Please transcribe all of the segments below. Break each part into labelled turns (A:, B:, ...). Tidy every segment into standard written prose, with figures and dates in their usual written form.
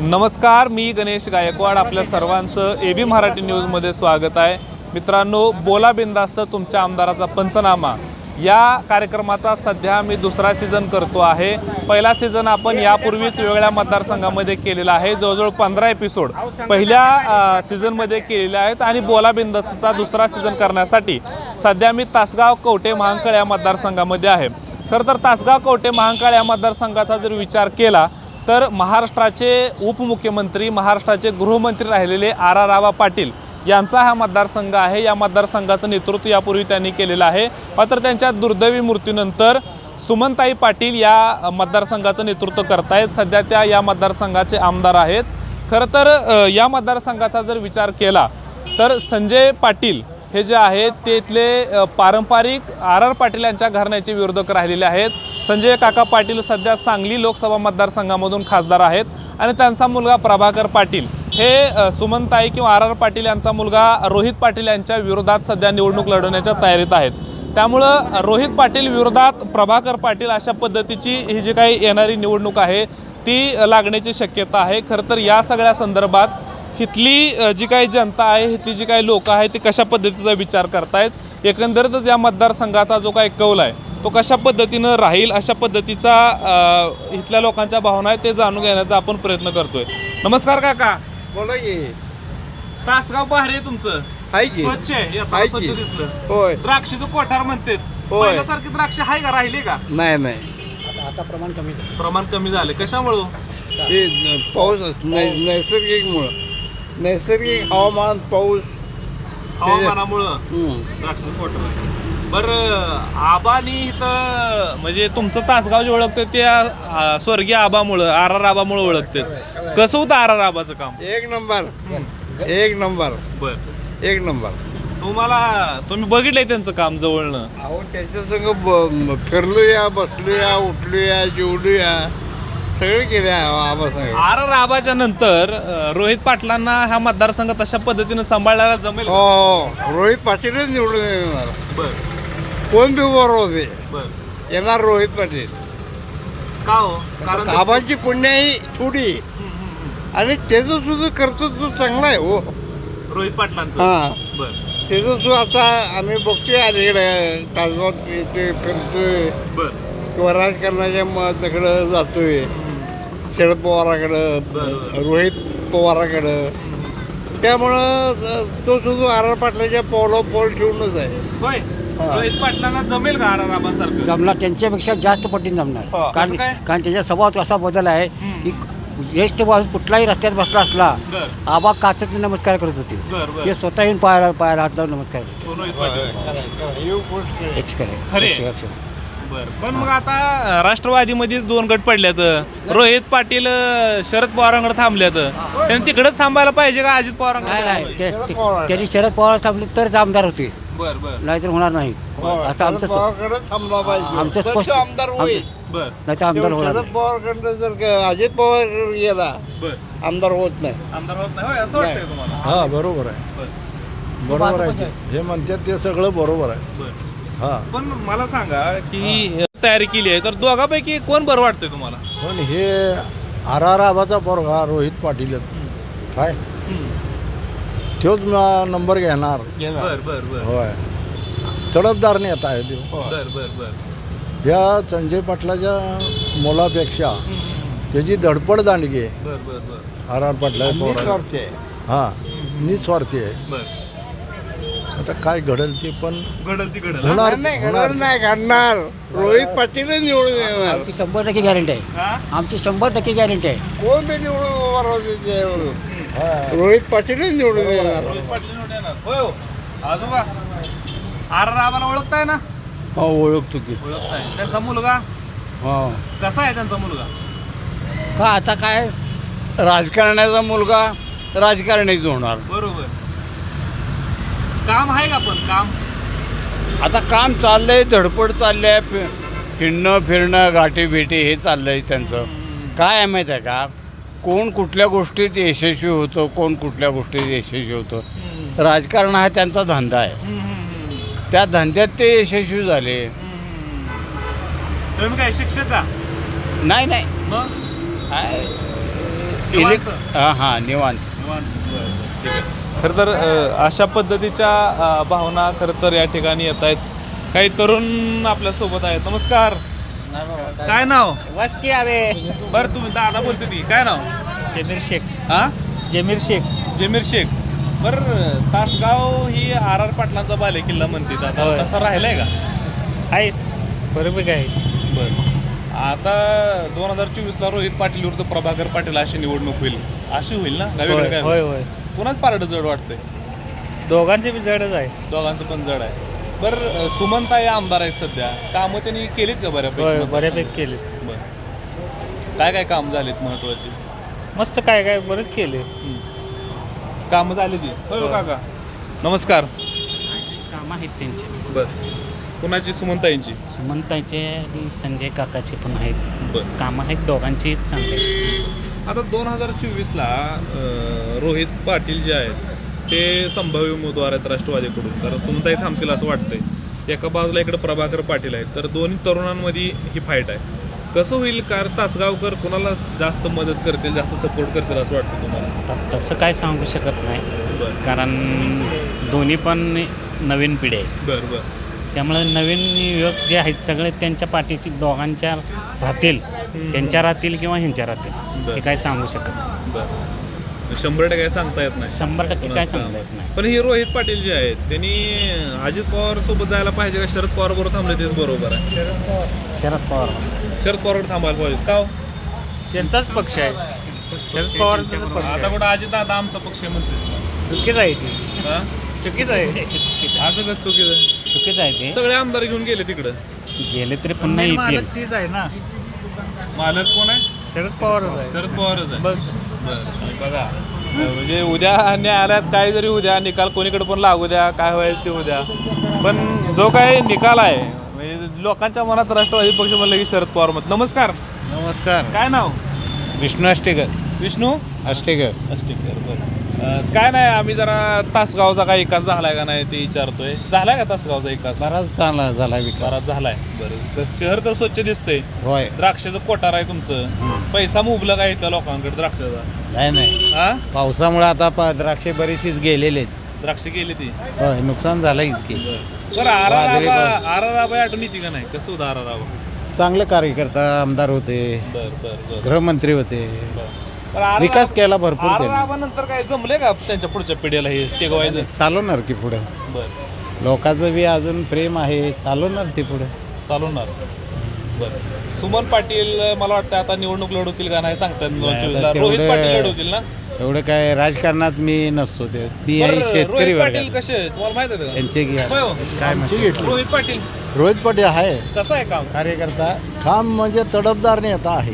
A: नमस्कार, मी गणेश गायकवाड. आपल्या सर्वांचं एबी मराठी न्यूजमध्ये स्वागत आहे. मित्रांनो, बोला बिंदास्त तुमच्या आमदाराचा पंचनामा या कार्यक्रमाचा सध्या मी दुसरा सीझन करतो आहे. पहिला सीझन आपण यापूर्वीच वेगळ्या मतदारसंघामध्ये केलेला आहे. जवळजवळ 15 एपिसोड पहिल्या सीझनमध्ये केलेले आहेत आणि बोला बिंदास्तचा दुसरा सीझन करण्यासाठी सध्या मी तासगाव कवठे महांकाळ या मतदारसंघामध्ये आहे. खरं तर तासगाव कवठे महांकाळ या मतदारसंघाचा जर विचार केला तर महाराष्ट्राचे उपमुख्यमंत्री, महाराष्ट्राचे गृहमंत्री राहिलेले आबा पाटील यांचा हा मतदारसंघ आहे. या मतदारसंघाचं नेतृत्व यापूर्वी त्यांनी केलेलं आहे. मात्र त्यांच्या दुर्दैवी मृत्यूनंतर सुमनताई पाटील या मतदारसंघाचं नेतृत्व करतायत. सध्या त्या या मतदारसंघाचे आमदार आहेत. खरं तर या मतदारसंघाचा जर विचार केला तर संजय पाटील हे जे आहेत ते इथले पारंपरिक पाटील यांच्या घराण्याचे विरोधक राहिलेले आहेत. संजय काका पाटील सध्या सांगली लोकसभा मतदारसंघामधून खासदार आहेत आणि त्यांचा मुलगा प्रभाकर पाटील हे सुमनताई किंवा पाटील यांचा मुलगा रोहित पाटील यांच्या विरोधात सध्या निवडणूक लढवण्याच्या तयारीत आहेत. त्यामुळं रोहित पाटील विरोधात प्रभाकर पाटील अशा पद्धतीची ही जी काही येणारी निवडणूक आहे ती लागण्याची शक्यता आहे. खरं तर या सगळ्या संदर्भात इथली जी काही जनता आहे, इथली जी काही लोक आहेत ती कशा पद्धतीचा विचार करतायत, एकंदरीतच या मतदारसंघाचा जो काही कौल आहे तो कशा पद्धतीनं राहील अशा पद्धतीचा इथल्या लोकांच्या भावना आहेत ते जाणून घेण्याचा आपण प्रयत्न करतोय. नमस्कार काका.
B: बोला की.
A: तासगाव भारी आहे तुमचं, स्वच्छ आहे, दिसलं.
B: होय.
A: द्राक्षीचं कोठार म्हणतात, पहिल्यासारखी द्राक्ष आहे का, राहिली का?
B: नाही
A: आता प्रमाण कमी झाले. कशामुळं?
B: पाऊस नैसर्गिक हवामान, पाऊस,
A: हवामानामुळं द्राक्षीचं कोठार. बरं, आबानी इथं म्हणजे तुमचं तासगाव जे ओळखते त्या स्वर्गीय आबामुळं, आबामुळं ओळखते. कसं होतं आबाचं काम?
B: एक नंबर.
A: बर,
B: एक नंबर.
A: तुम्ही बघितलंय त्यांचं काम जवळनं?
B: अहो, त्याच्या संग फिरलूया, बसलूया, उठलूया, जेवलूया, सगळे केले आबासंग.
A: आबाच्या नंतर रोहित पाटलांना हा मतदारसंघ तशा पद्धतीनं सांभाळायला जमेल?
B: हो, रोहित पाटीलच निवडून येणार.
A: बर.
B: कोण बी बरोबर होते,
A: बर.
B: येणार रोहित पाटील.
A: का हो? कारण
B: आबाची पुण्याई थोडी आणि त्याचं सुद्धा कर्तृत्व चांगलं आहे. हो,
A: रोहित पाटलांचं.
B: हां,
A: बर.
B: त्याचं सुद्धा आता आम्ही बघतोय अलीकडे तासगावात येतोय, फिरतोय,
A: बर.
B: किंवा राजकारणाच्या तिकडं जातोय, शरद पवाराकडं, रोहित पवाराकडं. त्यामुळं तो सुद्धा पाटलाच्या पाऊल ठेवूनच आहे.
A: होय. रोहित पाटलांना जमेल का आबासारखं?
C: जमणार, त्यांच्यापेक्षा जास्त पटीने जमणार. कारण त्याच्या स्वभावात असा बदल आहे की ज्येष्ठ कुठलाही रस्त्यात बसला असला आबा काचत नमस्कार करत होते. ते स्वतः येऊन पायाला हात लावून नमस्कार करते.
A: पण मग आता राष्ट्रवादीमध्येच 2 गट पडल्यात. रोहित पाटील शरद पवारांकडे थांबल्यात. त्यांनी तिकडेच थांबायला पाहिजे का अजित पवारांकडे?
C: त्यांनी शरद पवार थांबले तरच आमदार होते, नाहीतर होणार नाही. असं आमचं स्पष्ट
B: आमदार होईल.
C: नाही तर आमदार होणार.
B: शरद पवारकडे जर अजित पवार गेला आमदार होत नाही.
A: असं वाटतंय तुम्हाला?
D: हा, बरोबर आहे. हे म्हणतात ते सगळं बरोबर आहे. हा,
A: पण मला सांगा की तयारी केली आहे तर दोघांपैकी कोण बरं वाटतंय तुम्हाला?
D: पण हे आबाचा पोरगा रोहित पाटील काय तोच नंबर घेणार. होय, तडफदार नेता आहे तो. या संजय पाटलाच्या मुलापेक्षा त्याची धडपड दांडगी आहे. पाटला हा, निस्वार्थी आहे. आता काय घडेल ते पण
B: होणार नाही घडणार. रोहित पाटीलच निवडून येणार.
C: आमची 100% गॅरंटी आहे. आमची 100% गॅरंटी आहे.
B: कोण बी निवडून रोहित पाटीलच निवडून येणार.
A: आजोबा आबाला ओळखताय ना?
D: हो, ओळखतो की.
A: ओळखताय. त्यांचा मुलगा कसा आहे? त्यांचा मुलगा
D: का आता काय राजकारण्याचा मुलगा राजकारणीच होणार.
A: बरोबर. काम आहे का? पण काम
D: आता काम चाललंय, धडपड चाललंय, फिरणं गाठी भेटी हे चाललंय त्यांचं. काय आहे माहीत आहे का, कोण कुठल्या गोष्टीत यशस्वी होतं, कोण कुठल्या गोष्टीत यशस्वी होतं. राजकारण हा त्यांचा धंदा आहे. त्या धंद्यात ते यशस्वी झाले.
A: तुम्ही काय शिक्षक का?
D: नाही
A: मग
D: काय हां निवांत.
A: ठीक आहे. खरं तर अशा पद्धतीच्या भावना खरं तर या ठिकाणी येत आहेत. काही तरुण आपल्यासोबत आहेत. नमस्कार. काय नाव?
C: वासकी आवे
A: बरं तुम्ही दादा बोलते ती काय नाव?
C: जमीर शेख.
A: हा
C: जमीर शेख.
A: जमीर शेख. बरं तासगाव ही आर आर पाटलांचा बाले किल्ला म्हणते आता
C: होय.
A: तसा राहिलाय का?
C: आहे बरोबर आहे.
A: बरं आता 2024ला रोहित पाटील विरुद्ध प्रभाकर पाटील अशी निवडणूक होईल. अशी होईल ना गावीकडे काय
C: होय होय.
A: कुणाच पारड जड वाटतंय?
C: दोघांचे बी जडच आहे.
A: दोघांचं पण जड आहे. बरं सुमनताई आमदार आहेत सध्या, कामं त्यांनी केलीत का
C: होय
A: बऱ्यापैकी?
C: बऱ्यापैकी केले.
A: बरं काय काय काम झालीत महत्वाची?
C: मस्त काय काय बरेच केले.
A: कामं झाली ती होय हो काका. नमस्कार.
E: कामं आहेत त्यांचे.
A: बरं कुणाची? सुमनताईंची.
E: सुमनताईचे आणि संजय काकाचे पण आहेत.
A: बरं
E: कामं आहेत दोघांची चांगले.
A: आता 2024ला रोहित पाटील जे आहेत ते संभाव्य उमेदवार आहेत राष्ट्रवादीकडून, कारण सुमनताई थांबतील असं वाटतंय. एका बाजूला इकडे प्रभाकर पाटील आहेत, तर दोन्ही तरुणांमध्ये ही फाईट आहे. कसं होईल? कारण तासगावकर कुणाला जास्त मदत करतील, जास्त सपोर्ट करतील असं वाटतं तुम्हाला?
E: तसं काय सांगू शकत नाही,
A: बरं
E: कारण दोन्ही पण नवीन पिढी आहे.
A: बरं बरं
E: त्यामुळे नवीन युवक जे आहेत सगळे त्यांच्या पाठीशी दोघांच्या राहतील, त्यांच्या राहतील किंवा ह्यांच्या राहतील,
A: बरं.
E: हे काय सांगू शकत नाही.
A: बरं 100% काय सांगता येत नाही.
E: 100% काय सांगता येत नाही.
A: पण हे रोहित पाटील जे आहेत त्यांनी अजित पवार सोबत जायला पाहिजे का शरद पवार बरोबर थांबले तेच बरोबर आहे?
E: शरद पवार
A: शरद पवार थांबायला पाहिजे का हो?
C: त्यांचाच पक्ष आहे. शरद पवारांचा पक्ष
A: आता
C: आहे.
A: कुठं अजित दादा आमचा पक्ष आहे म्हणते.
C: चुकीच आहे ती.
A: हा?
C: चुकीच आहे.
A: असं कसं चुकीचं आहे?
E: चुकीचं आहे ते.
A: सगळे आमदार घेऊन गेले तिकडं.
E: गेले तरी पुन्हा
C: मेन
E: येतील.
C: मालक तीच आहे ना.
A: मालक कोण आहे?
C: शरद पवारच आहे.
A: शरद पवारच आहे.
C: बघ
A: बरं बघा म्हणजे उद्या न्यायालयात काय जरी उद्या निकाल कोणीकडे पण लागू द्या, काय व्हायचं ते उद्या, पण जो काय निकाल आहे म्हणजे लोकांच्या मनात राष्ट्रवादी पक्ष म्हणलं की शरद पवार मत. नमस्कार.
D: नमस्कार.
A: काय नाव?
D: विष्णू अष्टेकर.
A: विष्णू
D: अष्टेकर.
A: अस्टिकर. बरं काय नाही आम्ही जरा तासगावचा काय विकास झालाय का नाही ते विचारतोय. झालाय का तासगावचा विकास?
D: बराच चांगला झाला विकास.
A: बराच झालाय. बरं तर शहर तर स्वच्छ दिसतंय.
D: होय.
A: द्राक्षाचं कोठार आहे तुमचं. पैसा मुबलक आहे त्या लोकांकडे द्राक्षाचा.
D: नाही
A: हा
D: पावसामुळे आता द्राक्षे बरीचशीच गेलेले आहेत.
A: द्राक्ष गेली ती.
D: होय नुकसान झालंय की.
A: बरं
D: वादळी
A: आराराबाई आठवण येते का नाही? कसं होतं आराराबा?
D: चांगले कार्यकर्ता आमदार होते,
A: बरं बरं बरं
D: गृहमंत्री होते,
A: बरं
D: विकास केला भरपूर त्यांनी.
A: आराराबा नंतर काय जमले का त्यांच्या पुढच्या पिढीला हे टेकवायचं?
D: चालवणार की पुढे.
A: बरं
D: लोकांचं बी अजून प्रेम आहे, चालवणार ते पुढे.
A: चालवणार. बरं सुमन पाटील मला वाटतं आता निवडणूक लढवतील का नाही सांगतात.
D: नाही, आता
A: रोहित
D: तेवढं-
A: पाटील लढवतील ना?
D: एवढं काय राजकारणात मी नसतो, ते मी आहे
A: बरं,
D: शेतकरी
A: रोहित पाटील
D: वर्गात.
A: कसे आहेत? तुम्हाला माहित आहे का?
D: त्यांचे घ्या.
A: होय हो.
D: काय म्हणते?
A: रोहित पाटील
B: रोहित पाटील आहे
A: कसं आहे काम?
D: कार्यकर्ता
B: काम म्हणजे तडफदार नेता आहे.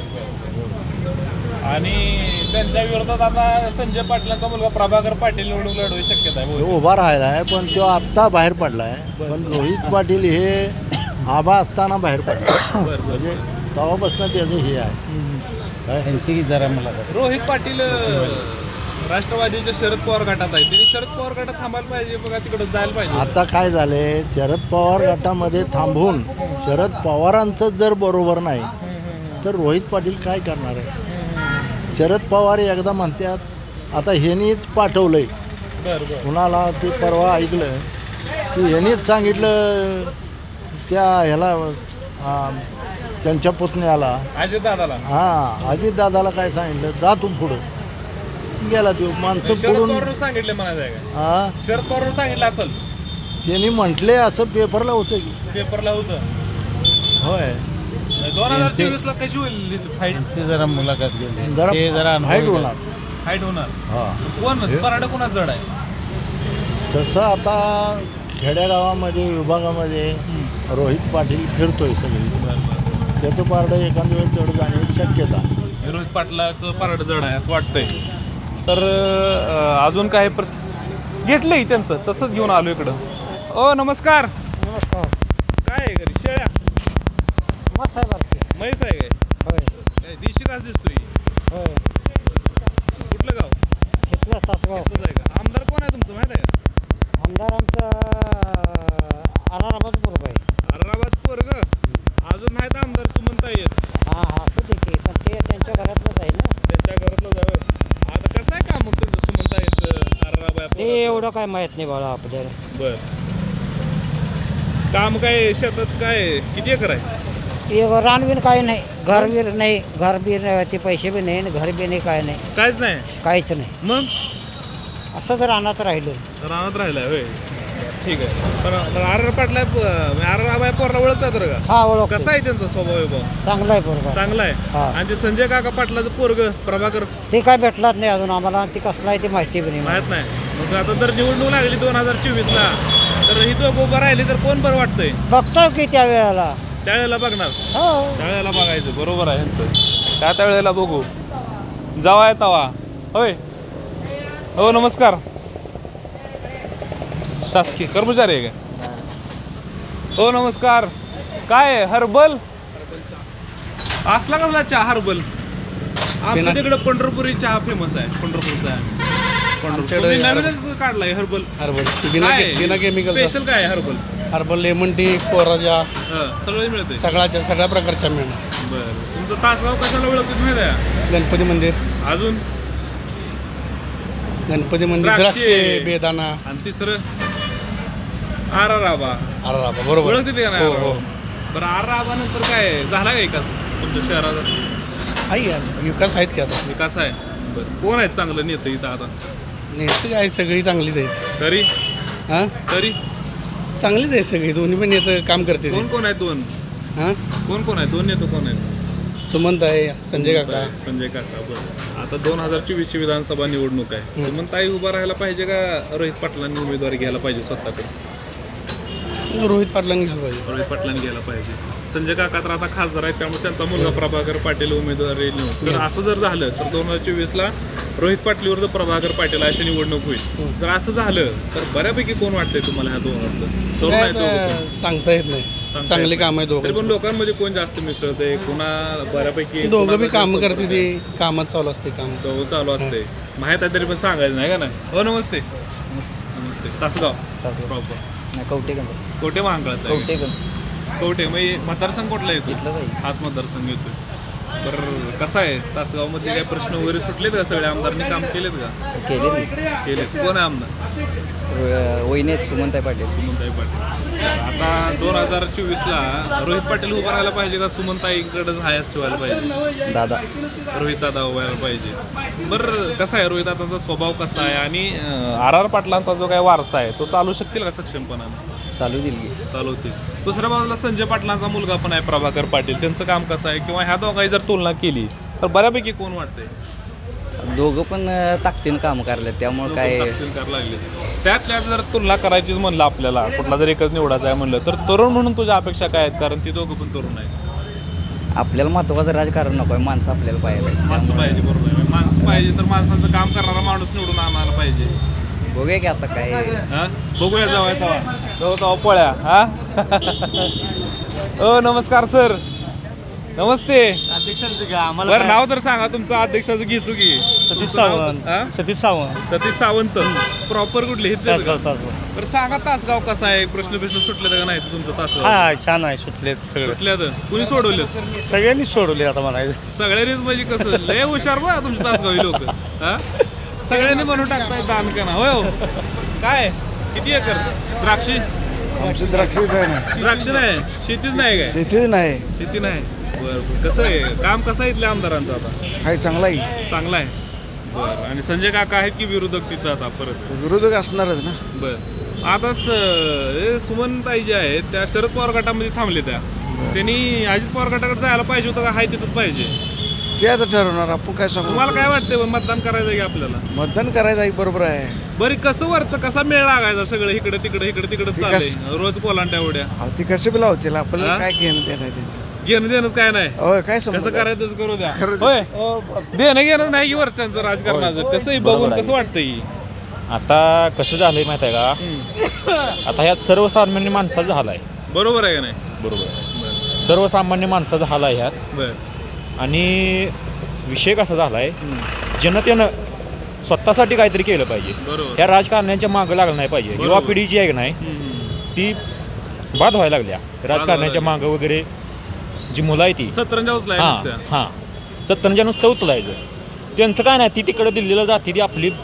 A: आणि त्यांच्या विरोधात आता संजय पाटलांचा मुलगा प्रभाकर पाटील निवडणूक लढवायची शक्यता आहे.
B: तो उभा राहिला आहे पण तो आत्ता बाहेर पडला आहे. पण रोहित पाटील हे आबा असताना बाहेर पडला. म्हणजे तेव्हापासून त्याचं हे आहे काय?
D: त्यांची जरा मला
A: रोहित पाटील राष्ट्रवादीच्या शरद पवार गटात आहे. त्यांनी शरद पवार गटात थांबायला पाहिजे बघा, तिकडे जायला पाहिजे.
B: आता काय झालंय, शरद पवार गटामध्ये थांबून शरद पवारांचं जर बरोबर नाही तर रोहित पाटील काय करणार आहे? शरद पवार एकदा म्हणतात आता ह्यांनीच पाठवलंय
A: बरं बरं
B: कुणाला, ते परवा ऐकलं की ह्यांनीच सांगितलं त्या ह्याला त्यांच्या पुतण्याला,
A: अजित दादाला
B: अजितदादाला काय सांगितलं, जा तू पुढं. गेला तो माणसं
A: शरद
B: पुढून.
A: पवार सांगितले म्हणायचं आहे का?
B: हा
A: शरद पवार सांगितलं असेल
B: त्यांनी म्हटले असं पेपरला होतं की.
A: पेपरला होतं.
B: होय
A: 2024ला कशी होईल फाईट?
D: ते जरा मुलाखत घेतली,
B: जरा
D: ते जरा
B: फाईट होणार.
A: फाईट होणार.
B: हा
A: कोण पराड कोणाच जड आहे?
B: तसं आता खेड्यागावामध्ये विभागामध्ये रोहित पाटील फिरतोय सगळी. त्याचं पारडं एखाद्या वेळेस चढ जाण्याची शक्यता.
A: रोहित पाटलाचं पारड जड आहे असं वाटतंय. तर अजून काय घेतलंय त्यांचं, तसंच घेऊन आलो इकडं. ओ नमस्कार.
C: नमस्कार.
A: काय आहे घरी? शेळ्या
C: मस्त आहे बरं.
A: म्हैस आहे काय?
C: होय
A: काय देशी घास दिसतोय?
C: होय.
A: कुठलं गाव?
C: घेतलं तासगाव.
A: इथंच आहे का? आमदार कोण आहे तुमचं माहित आहे का?
C: आमदार आमचं आराराबाद बरोबर आहे.
A: अर्राबाद पोरग. अजून माहित आहे आमदार सुमनताई आहेत.
C: हां हां असू दे की, पण ते त्यांच्या घरातलंच आहे ना.
A: त्यांच्या घरातलं
C: ते एवढं काय माहीत नाही बाळा आपल्याला.
A: बर काम काय शेतात काय किती एकर आहे?
C: रानवीर काय नाही, घरवीर नाही, घरबीर ते पैसे बी नाही, घर बी नाही, काय नाही,
A: काहीच नाही.
C: काहीच नाही.
A: मग
C: असंच रानात राहिलो.
A: रानात राहिलाय होय. ठीक आहे. पण आर पाटला आर पोरला ओळखतात बरं का?
C: हा ओळख.
A: कसा आहे त्यांचा स्वभाव आहे भाऊ?
C: चांगला आहे पोरगा.
A: चांगला आहे.
C: हा.
A: आणि ते संजय काका पाटलाचं पोरग प्रभाकर
C: ते काय भेटलाच नाही अजून आम्हाला. ते कसला आहे ते माहिती बी नाही.
A: माहित नाही. मग आता जर निवडणूक लागली 2024 ला तर ही तो उभं राहिली तर कोण बरं वाटतंय?
C: बघतो की त्या वेळेला.
A: त्यावेळेला बघणार.
C: हो.
A: त्यावेळेला बघायचं. बरोबर आहे यांचं. काय त्यावेळेला बघू जावा तवा होय. हो नमस्कार. शासकीय कर्मचारी आहे का? हो नमस्कार. काय हर्बल असला कसला चहा हर्बल? आमच्या तिकडे पंढरपुरी चहा फेमस आहे. पंढरपूरचा तुम्ही नवीनच काढलाय हर्बल.
F: बिना केमिकल
A: स्पेशल काय हर्बल?
F: हर्बल लेमन टी कोराजा
A: सगळं मिळते.
F: सगळ्या प्रकारच्या मिळणार.
A: बरं तुमचं तासगाव कशाला ओळखत माहिती आहे?
F: गणपती मंदिर,
A: अजून
F: गणपती मंदिर,
A: द्राक्षे,
F: द्राक्षे, बेदाना,
A: आणि तिसरं आराराबा.
F: आराराबा. बरोबर.
A: ओळखते का नाही?
F: हो, हो.
A: बरं आराराबा नंतर काय झाला का विकास तुमच्या शहराचा?
F: आहे यार, विकास आहेच की आता.
A: विकास आहे. बरं कोण आहेत चांगलं नेतं इथं आता?
F: नेते काय सगळी चांगलीच आहेत.
A: तरी
F: हां
A: तरी
F: चांगलीच आहेत सगळी. दोन्ही पण नेतं काम करते.
A: कोण कोण आहेत दोन?
F: हां
A: कोण आहे दोन नेते? कोण आहेत?
F: सुमंत आहे, संजय काका.
A: संजय काका. बरं आता 2024 विधानसभा निवडणूक आहे. सुमनताई उभा राहायला पाहिजे का रोहित पाटलांनी उमेदवारी घ्यायला पाहिजे स्वतःकडे?
F: रोहित पाटलांनी घ्यायला पाहिजे.
A: रोहित पाटलांनी घ्यायला पाहिजे. संजय काका तर आता खासदार आहेत त्यामुळे त्यांचा मुलगा प्रभाकर पाटील उमेदवारी निवडून. तर असं जर झालं तर 2024 ला रोहित पाटील विरुद्ध प्रभाकर पाटील अशी निवडणूक होईल. जर असं झालं तर बऱ्यापैकी कोण वाटतंय तुम्हाला ह्या दोघांचं? तरुण
F: काय
A: आहेत दोघं
F: आता
A: पण.
F: सांगता येत नाही. चांगली काम आहे
A: तरी पण
F: दोघं.
A: लोकांमध्ये कोण जास्त मिसळते? कुणा बऱ्यापैकी
F: दोघं बी काम करते. ते कामात चालू असते काम.
A: दोघं चालू असते. माहित आहे तरी पण सांगायचं नाही का नाही? हो नमस्ते. नमस्ते. तासगाव प्रॉपर कोटे महांकाळचा आहे. कवठे म्हणजे मतदारसंघ कुठला येतो?
C: इथलंच आहे.
A: हाच मतदारसंघ येतो. बरं कसं आहे तासगावमध्ये काय प्रश्न वगैरे सुटलेत का? सगळे आमदारांनी काम केलेत का? केलेत. कोण आहे आमदार?
C: वहिनी सुमंताई पाटील.
A: सुमनताई पाटील. आता 2024 ला रोहित पाटील उभा राहायला पाहिजे का सुमनताईकडे हायस्ट ठेवायला पाहिजे?
C: दादा.
A: रोहित दादा उभा राहायला पाहिजे. बरं कसं आहे रोहित दादाचा स्वभाव कसा आहे आणि आर पाटलांचा जो काय वारसा आहे तो चालू शकतील का सक्षमपणाने?
C: चालू दिली.
A: चालवतील. दुसऱ्या बाजूला संजय पाटलांचा मुलगा पण आहे प्रभाकर पाटील. त्यांचं काम कसं आहे किंवा ह्या दोघांची जर तुलना केली तर बऱ्यापैकी कोण वाटतंय?
C: दोघं पण ताकदीनं काम करले त्यामुळे काय
A: करायला लागले. त्यातल्या जर तुलना करायचीच म्हणलं आपल्याला कुठला जर एकच निवडायचा आहे म्हणलं तर तरुण म्हणून तुझ्या अपेक्षा काय आहेत? कारण ती दोघं पण तरुण आहेत.
C: आपल्याला महत्वाचं राजकारण नको आहे. माणसं आपल्याला पाहिजे.
A: माणसं पाहिजे. बरोबर आहे. माणसं पाहिजे तर माणसाचं काम करणारा माणूस निवडून आणायला पाहिजे.
C: बघूया की आता काय.
A: हा बघूया जाऊ तेव्हा पोळ्या. हा हो नमस्कार सर. नमस्ते.
G: अध्यक्षांचं का आम्हाला
A: बरं नाव तर सांगा तुमचं. अध्यक्षाचं घेतो की
G: सतीश सावंत.
A: हा?
G: सतीश सावंत.
A: सतीश सावंत. प्रॉपर कुठले हे
G: तासगाव.
A: बरं सांगा तासगाव कसा आहे? प्रश्न सुटले का नाही तुमचं तासगाव?
G: हा छान आहे. सुटलेत सगळे.
A: सुटल्यात कुणी सोडवलेत?
G: सगळ्यांनीच सोडवले आता म्हणायचं.
A: सगळ्यांनीच म्हणजे कसं लय हुशार बा तुमचे तासगावी लोक. हा सगळ्यांनी बनवून टाकताय दान करा. होय हो. काय किती एकर द्राक्षी?
F: आमची द्राक्ष
A: द्राक्ष नाही. शेतीच नाही काय?
F: शेतीच नाही.
A: शेती नाही. बरं कसं आहे काम कसं आहे इथल्या आमदारांचं आता?
F: आहे चांगला आहे.
A: चांगला आहे. बरं आणि संजय काका आहेत की विरोधक तिथं आता परत?
F: विरोधक असणारच ना.
A: बरं आता सुमनताई जे आहेत त्या शरद पवार गटामध्ये थांबले. त्यांनी अजित पवार गटाकडे जायला पाहिजे होतं का हाय तिथंच पाहिजे?
F: ते आता ठरवणार. आपण काय सांगू.
A: तुम्हाला काय वाटतंय मतदान करायचं की आपल्याला?
F: मतदान करायचं आहे. बरोबर आहे.
A: बरं कसं वरचं कसा मेळ लागायचा? सगळं इकडे तिकडे चाललंय रोज कोलांट्या उड्या.
F: ती कसे बी लावतील आपल्याला काय घेणं देणं आहे त्यांचं.
A: घेणं देणंच काय नाही.
F: होय काय
A: कसं करायचं करू द्या. होय देणं घेणं नाही की वरच्यांचं राजकारणाचं. कसंही बघून कसं वाटतंय?
H: आता कसं झालंय माहित आहे का? आता ह्यात सर्वसामान्य माणसाचा हाल आहे.
A: बरोबर आहे का नाही?
H: बरोबर. सर्वसामान्य माणसाचा हाल आहे ह्यात.
A: बरं
H: आणि विषय कसा झाला आहे जनतेनं स्वतःसाठी काहीतरी केलं पाहिजे.
A: बरोबर.
H: ह्या राजकारण्यांच्या मागं लागलं नाही पाहिजे. युवा पिढी जी आहे की नाही ती बाद व्हायला लागल्या राजकारण्याच्या मागं वगैरे. जी मुलं आहे ती
A: सतरंजा उचलाय.
H: हां सत्तरच्या नुसतं उचलायचं. त्यांचं काय नाही. ती तिकडं दिल्लीला जाते. ती आपली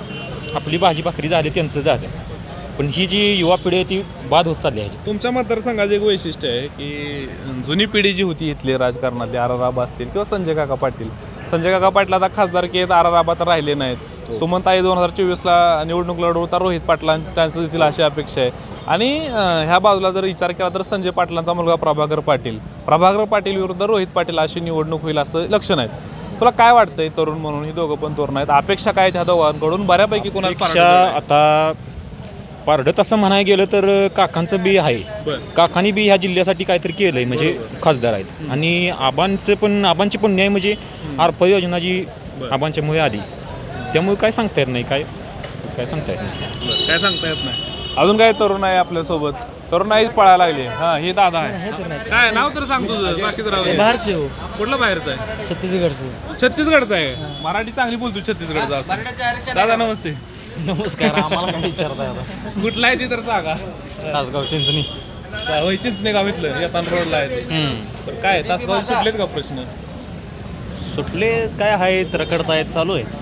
H: आपली भाजी भाकरी झाली त्यांचं झालं, पण ही जी युवा पिढी आहे ती बाद होत चालली आहे.
A: तुमच्या मतदारसंघाचं एक वैशिष्ट्य आहे की जुनी पिढी जी होती इथली राजकारणातली आराराबा असतील किंवा संजय काका पाटील. संजय काका पाटील आता खासदारकी आहेत, आराराबा तर राहिले नाहीत. सुमनताई 2024ला निवडणूक लढवता रोहित पाटलांना चान्सेस देतील अशी अपेक्षा आहे. आणि ह्या बाजूला जर विचार केला तर संजय पाटलांचा मुलगा प्रभाकर पाटील विरुद्ध रोहित पाटील अशी निवडणूक होईल असं लक्षण आहे. तुला काय वाटतंय तरुण म्हणून, ही दोघं पण तरुण आहेत, अपेक्षा काय ह्या दोघांकडून? बऱ्यापैकी
H: पेक्षा आता पारडत असं म्हणायला गेलं तर काकांचं बी आहे. काकांनी बी ह्या जिल्ह्यासाठी काहीतरी केलंय, म्हणजे खासदार आहेत. आणि आबांची पण न्याय म्हणजे अर्प योजना जी आबांच्यामुळे आली, त्यामुळे काय सांगता येत नाही. काय सांगता येत नाही.
A: काय सांगता येत नाही. अजून काय तरुण आहे आपल्यासोबत? तरुणाईच पळायला लागली. हा, हे दादा आहे. काय नाव तर सांग तुझं, बाकीचं राहू दे.
G: बाहेरचे हो,
A: कुठलं बाहेरचं आहे?
G: छत्तीसगडचे.
A: छत्तीसगडचा आहे. मराठी चांगली बोलतो छत्तीसगडचा असं. दादा नमस्ते.
G: नमस्कार. आम्हाला काय विचारताय आता?
A: कुठला आहे ती तर सांगा.
G: तासगाव चिंचणी.
A: होय, चिंचणे गाव इथलं येताना रोडला आहे. तर काय तासगाव सुटलेत का प्रश्न?
G: सुटले काय आहेत, रखडतायत, चालू आहे.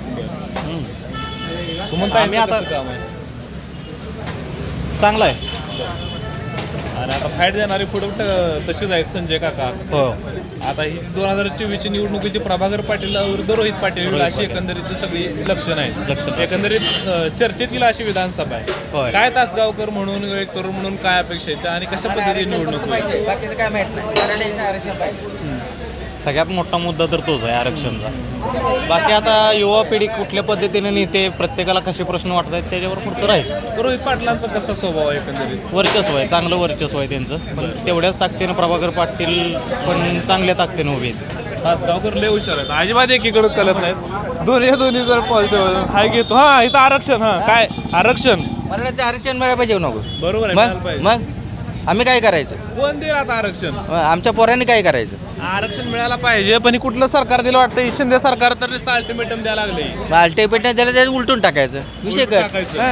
A: सुमनताई आता काम आहे
G: चांगला आहे.
A: आणि आता फाईट देणारे पुढे तसेच आहेत संजय काका.
G: हो.
A: आता ही 2024ची निवडणुकीची प्रभाकर पाटील विरुद्ध रोहित पाटील अशी एकंदरीत सगळी लक्षणं आहेत. एकंदरीत चर्चेत गेला अशी विधानसभा आहे. काय तासगावकर म्हणून एक तरुण म्हणून काय अपेक्षा आहेत आणि कशा पद्धतीने निवडणूक होईल?
G: सगळ्यात मोठा मुद्दा तर तोच आहे, आरक्षणचा. बाकी आता युवा पिढी कुठल्या पद्धतीने नेते, प्रत्येकाला कसे प्रश्न वाटत आहेत त्याच्यावर पुढचं राहील.
A: रोहित पाटलांचा कसा स्वभाव आहे एकंदरीत?
G: वर्चस्व आहे, चांगलं वर्चस्व आहे त्यांचं. पण तेवढ्याच ताकदीनं प्रभाकर पाटील पण चांगल्या ताकदीनं उभे आहेत.
A: तासगावकर लय हुशार आहेत, अजिबात एकीकडे कलत नाहीत. दोन्ही जर पॉझिटिव्ह हाय घेतो. हा, इथं आरक्षण. हा, काय आरक्षण?
I: मराठ्याचं आरक्षण मिळायला पाहिजे नको.
A: बरोबर आहे, मिळायला पाहिजे.
I: मग आम्ही काय करायचं?
A: कोण देईल आता आरक्षण?
I: आमच्या पोरांनी काय करायचं?
A: आरक्षण मिळायला पाहिजे, पण हे कुठलं सरकार दिलं वाटतं? शिंदे सरकार तर नुसतं अल्टिमेटम द्यायला लागले.
I: अल्टिमेटम द्यायला त्याचं उलटून टाकायचं विषय कर.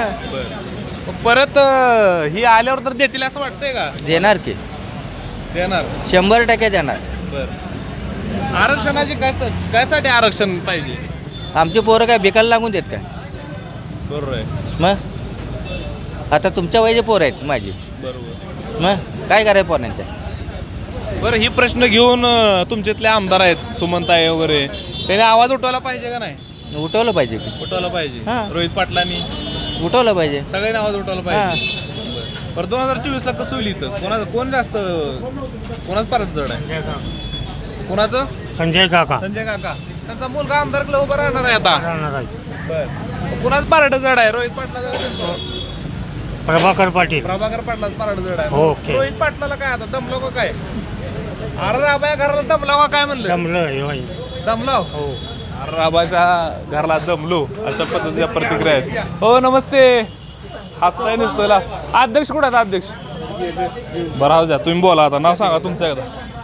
A: परत ही आल्यावर तर देतील असं वाटतंय का?
I: देणार की
A: देणार
I: 100% देणार.
A: बर, आरक्षणाची कायसाठी आरक्षण पाहिजे?
I: आमचे पोरं काय बेकायला लागून देत का?
A: बरोबर आहे.
I: मग आता तुमच्या वयाचे पोरं आहेत माझी.
A: बरोबर.
I: मग काय करायचं पोरांच्या?
A: बरं, ही प्रश्न घेऊन तुमच्यातले आमदार आहेत सुमनताई वगैरे, त्याने आवाज उठवला पाहिजे का नाही?
I: उठवलं पाहिजे की
A: उठवला पाहिजे.
I: हां.
A: रोहित पाटलांनी
I: उठवलं पाहिजे.
A: सगळ्यांनी आवाज उठवला पाहिजे. बरं, 2024ला कसं होईल इथं? कोण जास्त, कोणाच परत जड आहे? कोणाचं?
E: संजय काका.
A: संजय काका. त्यांचा मुलगा आमदारकडे उभा राहणार आहे आता. बरं, कुणाच पारड जड आहे? रोहित पाटला,
E: प्रभाकर पाटील.
A: प्रभाकर पाटलाच पारड जड आहे.
E: ओके.
A: रोहित पाटलाला काय आता दमलो का काय? अरे राबाया घराला दमलाव का काय म्हणलं? दमलाव.
E: हो.
A: अरे राबाच्या घराला दमलो अशा पद्धतीच्या प्रतिक्रिया आहेत. हो, नमस्ते. हसताय नुसतं. अध्यक्ष कुठे आहेत? अध्यक्ष बरं, राहू द्या, तुम्ही बोला आता. नाव सांगा तुमचं एकदा.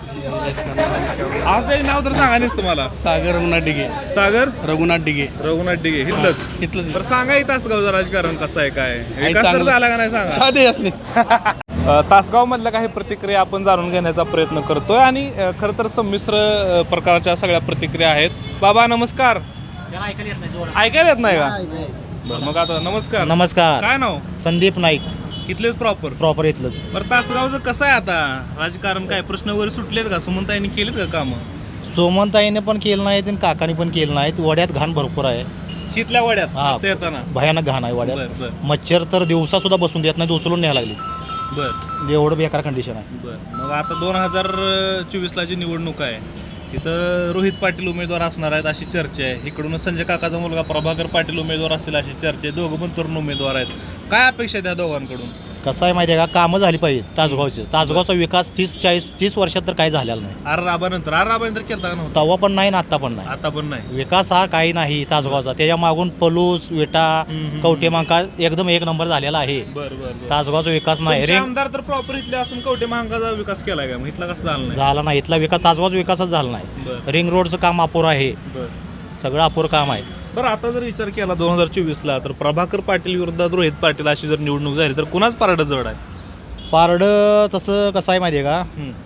A: आज नाव तर सांगा नुसतं मला.
G: सागर रघुनाथ डिगे.
A: सागर
G: रघुनाथ डिगे.
A: इथलंच. बरं, सांगा ही तासगावचं राजकारण कसं आहे, काय विकास तर
G: चांगलं.
A: झाला का नाही सांगा.
G: साधे असले.
A: तासगाव मधल्या काही प्रतिक्रिया आपण जाणून घेण्याचा प्रयत्न करतोय आणि खरं तर संमिश्र प्रकारच्या सगळ्या प्रतिक्रिया आहेत. बाबा नमस्कार. ऐकायला येत नाही का? बरं, मग आता नमस्कार.
G: नमस्कार.
A: काय नाव?
G: संदीप नाईक.
A: इथलेच प्रॉपर
G: इथलंच.
A: बरं, तासगावचं कसं आहे आता राजकारण? काय प्रश्न वगैरे सुटलेत का? सुमनताईंनी केलेत का कामं?
G: सोमनताईने पण केलं नाही आणि काकाने पण केलं नाही. वड्यात घाण भरपूर आहे,
A: इथल्या वड्यात
G: हा.
A: ते येताना.
G: भयानक घाण आहे
A: बरं,
G: वड्यात.
A: बरं.
G: मच्छर तर दिवसा सुद्धा बसून देत नाही, उचलून न्यायला लागली.
A: बरं
G: एवढं बेकार कंडिशन आहे.
A: बरं, मग आता 2024ला जी निवडणूक आहे तिथं रोहित पाटील उमेदवार असणार आहेत अशी चर्चा आहे. इकडून संजय काकाचा मुलगा प्रभाकर पाटील उमेदवार असतील अशी चर्चा आहे. दोघं पण तरुण उमेदवार आहेत. काय अपेक्षा आहे त्या दोघांकडून?
G: कसं आहे माहिती आहे का, कामं झाली पाहिजे तासगावचे. तासगावचा विकास 30 वर्षात तर काही झालेला नाही.
A: आर राबानंतर केला का नव्हता?
G: तेव्हा पण नाही ना आता पण नाही.
A: आता पण नाही.
G: विकास हा काही नाही तासगावचा. त्याच्या मागून पलूस विटा कवटे मांका एकदम एक नंबर झालेला आहे.
A: बरं.
G: तासगावचा विकास नाही.
A: तुमचे आमदार तर प्रॉपर इथले असून कवटे महागाचा विकास केलाय का? मग इथला कसं झाला नाही?
G: झाला नाही. इथला विकास तासगावचा विकासच झाला नाही.
A: बरं.
G: रिंग रोडचं काम अपुरं आहे. सगळं अपुरं काम आहे.
A: बरं, आता जर विचार केला 2024ला तर प्रभाकर पाटील विरुद्ध रोहित पाटील अशी जर निवडणूक झाली तर कुणाच पारडं जड आहे?
G: पारडं तसं कसं आहे माहिती आहे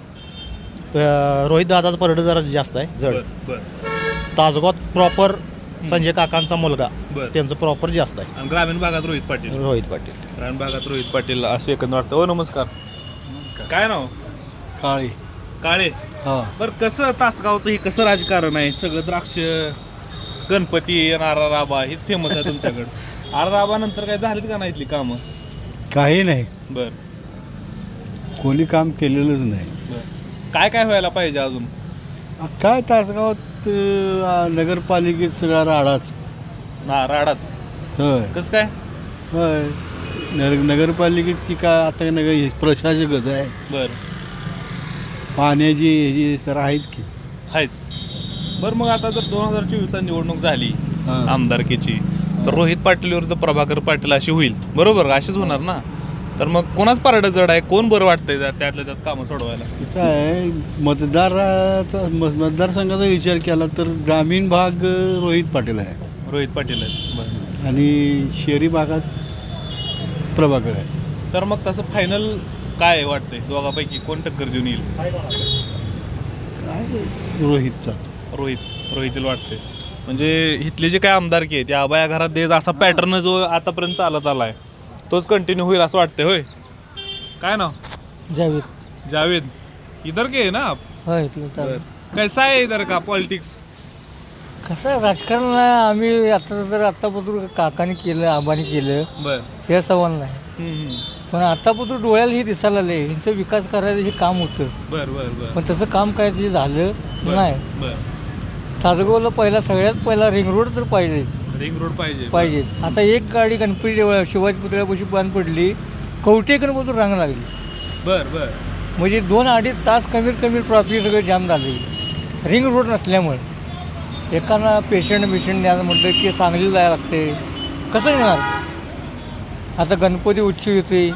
G: का, रोहित दादाचं पारडं जरा जास्त आहे जड.
A: बरं.
G: तासगावात प्रॉपर संजय काकांचा मुलगा
A: बरं.
G: त्यांचं प्रॉपर जास्त आहे.
A: आणि ग्रामीण भागात रोहित पाटील.
G: रोहित पाटील.
A: ग्रामीण भागात रोहित पाटील असे एकंदर वाटतं. हो नमस्कार. काय नाव?
B: काळी
A: काळे.
B: हा
A: बरं कसं तासगावचं हे कसं राजकारण आहे? सगळं द्राक्ष, गणपती, आरा राबा हेच फेमस आहे तुमच्याकडे. आरा राबा नंतर काय झालीत का नाही इथली कामं?
B: काही नाही,
A: बर
B: कोणी काम केलेलंच नाही.
A: बर काय काय व्हायला पाहिजे अजून?
B: काय तासगावात नगरपालिकेत सगळा राडाच.
A: राडाच
B: होय
A: कसं काय?
B: होय नगरपालिकेची काय आता प्रशासकच आहे.
A: बर
B: पाण्याची ह्याची सर आहेच की.
A: आहेच. बरं मग आता जर 2024ला निवडणूक झाली
B: हां.
A: आमदारकीची तर रोहित पाटील विरुद्ध प्रभाकर पाटील अशी होईल, बरोबर? अशीच होणार ना. तर मग कोणाच पारडं जड आहे? कोण बरं वाटतंय त्यातल्या त्यात कामं सोडवायला?
B: कसं आहे, मतदारसंघाचा विचार केला तर ग्रामीण भाग रोहित पाटील आहे
A: रोहित पाटील आहेत. बरं
B: आणि शहरी भागात प्रभाकर आहे.
A: तर मग तसं फायनल काय वाटतंय दोघांपैकी कोण टक्कर देऊन येईल?
B: काय रोहितचाच.
A: रोहितील वाटते. म्हणजे इथले जे काय आमदारकी आहे त्या आबाया घरात देज असा पॅटर्न जो आतापर्यंत चालत आला आहे तोच कंटिन्यू होईल असं वाटतंय. होय काय नाव?
C: जावेद.
A: जावेद. इधर के है ना आप?
C: हो इथलं तर
A: कैसा है इधर का पॉलिटिक्स?
C: कसं आहे, राजकारण आम्ही आत्तापासून काकाने केलं, आबाने केलं,
A: बर
C: हे सवाल नाही. पण आतापासून डोळ्याला हे दिसायला आले ह्यांचा विकास करायचं हे काम होतं.
A: बर बर बर
C: पण तसं काम काय ते झालं नाही.
A: बर
C: तासगावला सगळ्यात पहिला रिंग रोड तर पाहिजे.
A: रिंग रोड पाहिजे.
C: पाहिजे. आता एक गाडी गणपती शिवाजी पुतळ्यापाशी बंद पडली, कवटेकरपासून रांग लागली.
A: बर बर
C: म्हणजे 2-2.5 तास कमीत कमी ट्रॉफिक सगळं जाम झाली रिंग रोड नसल्यामुळे. एकानं पेशंट न्यायला म्हटलं की सांगली जायला लागते, कसं येणार? आता गणपती उत्सव येते,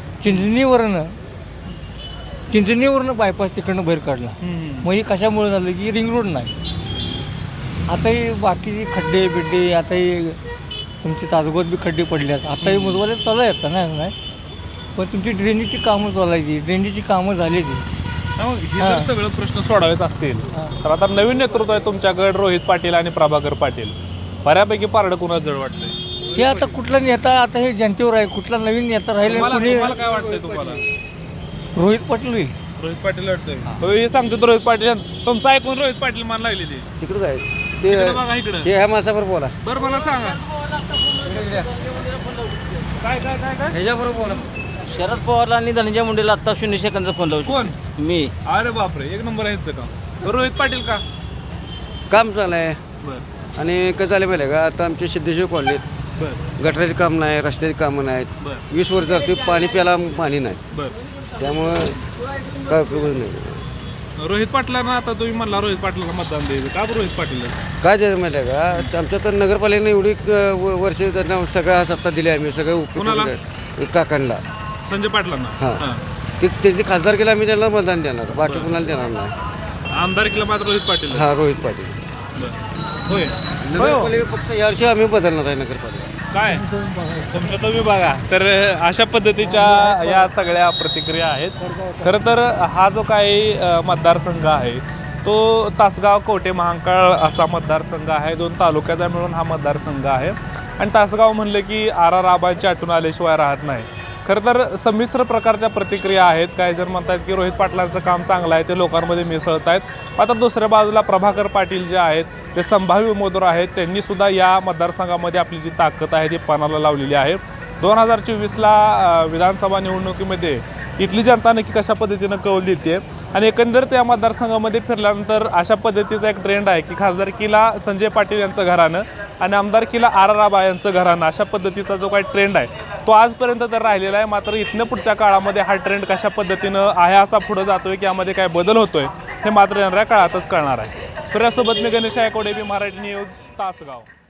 C: चिंचणीवरनं बायपास तिकडनं बाहेर काढला. मग हे कशामुळे झालं की रिंग रोड नाही. आता ही बाकीची खड्डे बिड्डे, आता ही तुमची तासगावात बी खड्डे पडल्यात. आता ही मुजवाले चालू आहेत नाही, पण तुमची ड्रेनेजची कामं चालायची, ड्रेनेजची कामं झाली ती.
A: मग हे जर सगळं प्रश्न सोडावेच असतील तर आता नवीन नेतृत्व आहे तुमच्याकडे रोहित पाटील आणि प्रभाकर पाटील. बऱ्यापैकी पारडं कुणाला जड वाटतंय?
C: ते आता कुठला नेता, आता हे जनतेवर आहे. कुठला नवीन नेता राहिले कोणी
A: तुम्हाला काय वाटतंय? तुम्हाला
C: रोहित पाटील होईल.
A: रोहित पाटील वाटतंय? हे सांगतो तो रोहित पाटील. तुमचं ऐकून रोहित पाटील मान लागली ते
C: तिकडंच आहे
A: इकडं बघा इकडं.
C: ते ह्या माणसाबरोबर बोला.
A: बरं मला सांगा काय काय काय काय
C: ह्याच्याबरोबर बोला. शरद पवारला आणि धनंजय मुंडेला आत्ता 0 सेकंदचा फोन लावू.
A: कोण?
C: मी.
A: अरे बापरे, एक नंबर आहे ह्यांचं काम. रोहित पाटील का?
C: काम चालू आहे.
A: बर
C: आणि कसं झालं पाहिजे का, आता आमच्या सिद्धेश्वर कॉलनीत
A: बर
C: गटराचे काम नाही, रस्त्याची कामं नाहीत.
A: बर
C: 20 वर्ष झाली पाणी प्यायला पाणी नाही.
A: बर
C: त्यामुळं काय उपयोग नाही.
A: रोहित पाटलांना आता तुम्ही म्हणला रोहित पाटलांना मतदान द्यायचं का? रोहित पाटील
C: काय द्यायचं माहिती आहे का, आमच्या तर नगरपालिकेने एवढी वर्ष त्यांना सगळ्या सत्ता दिली आम्ही, सगळं
A: कोणाला?
C: उपयोग काकांना,
A: संजय पाटलांना.
C: हां.
A: हां.
C: ते त्यांची खासदार केला आम्ही त्यांना मतदान देणार, बाकी कुणाला देणार नाही.
A: आमदारकीला मात्र रोहित पाटील.
C: हा रोहित पाटील.
A: बरं. होय
C: नगरपालिका फक्त यावर्षी आम्ही बदलणार आहे नगरपालिका.
A: काय तुमच्या तुम्ही बघा. तर अशा पद्धतीच्या या सगळ्या प्रतिक्रिया आहेत. खरं तर हा जो काही मतदारसंघ आहे तो तासगाव कवठे महांकाळ असा मतदारसंघ आहे. 2 तालुक्याचा मिळून हा मतदारसंघ आहे. आणि तासगाव म्हणलं की आरा राबांची आठवण आल्याशिवाय राहत नाही. खरं तर संमिश्र प्रकारच्या प्रतिक्रिया आहेत. काही जण म्हणतात की रोहित पाटलांचं काम चांगलं आहे, ते लोकांमध्ये मिसळत आहेत. मात्र दुसऱ्या बाजूला प्रभाकर पाटील जे आहेत ते संभाव्य उमेदवार आहेत, त्यांनीसुद्धा या मतदारसंघामध्ये आपली जी ताकद आहे ती पणाला लावलेली आहे. 2024ला विधानसभा निवडणुकीमध्ये इथली जनता नक्की कशा पद्धतीनं कौल देते आणि एकंदरीत या मतदारसंघामध्ये फिरल्यानंतर अशा पद्धतीचा एक ट्रेंड आहे की खासदारकीला संजय पाटील यांचं घराणं आणि आमदारकीला आरा राबा यांचं घराणं, अशा पद्धतीचा जो काही ट्रेंड आहे तो आजपर्यंत तर राहिलेला आहे. मात्र इथनं पुढच्या काळामध्ये हा ट्रेंड कशा पद्धतीनं आहे असा पुढं जातोय की यामध्ये काय बदल होतोय हे मात्र येणाऱ्या काळातच कळणार आहे. सूर्यासोबत मी गणेश आयकोडे, मराठी न्यूज, तासगाव.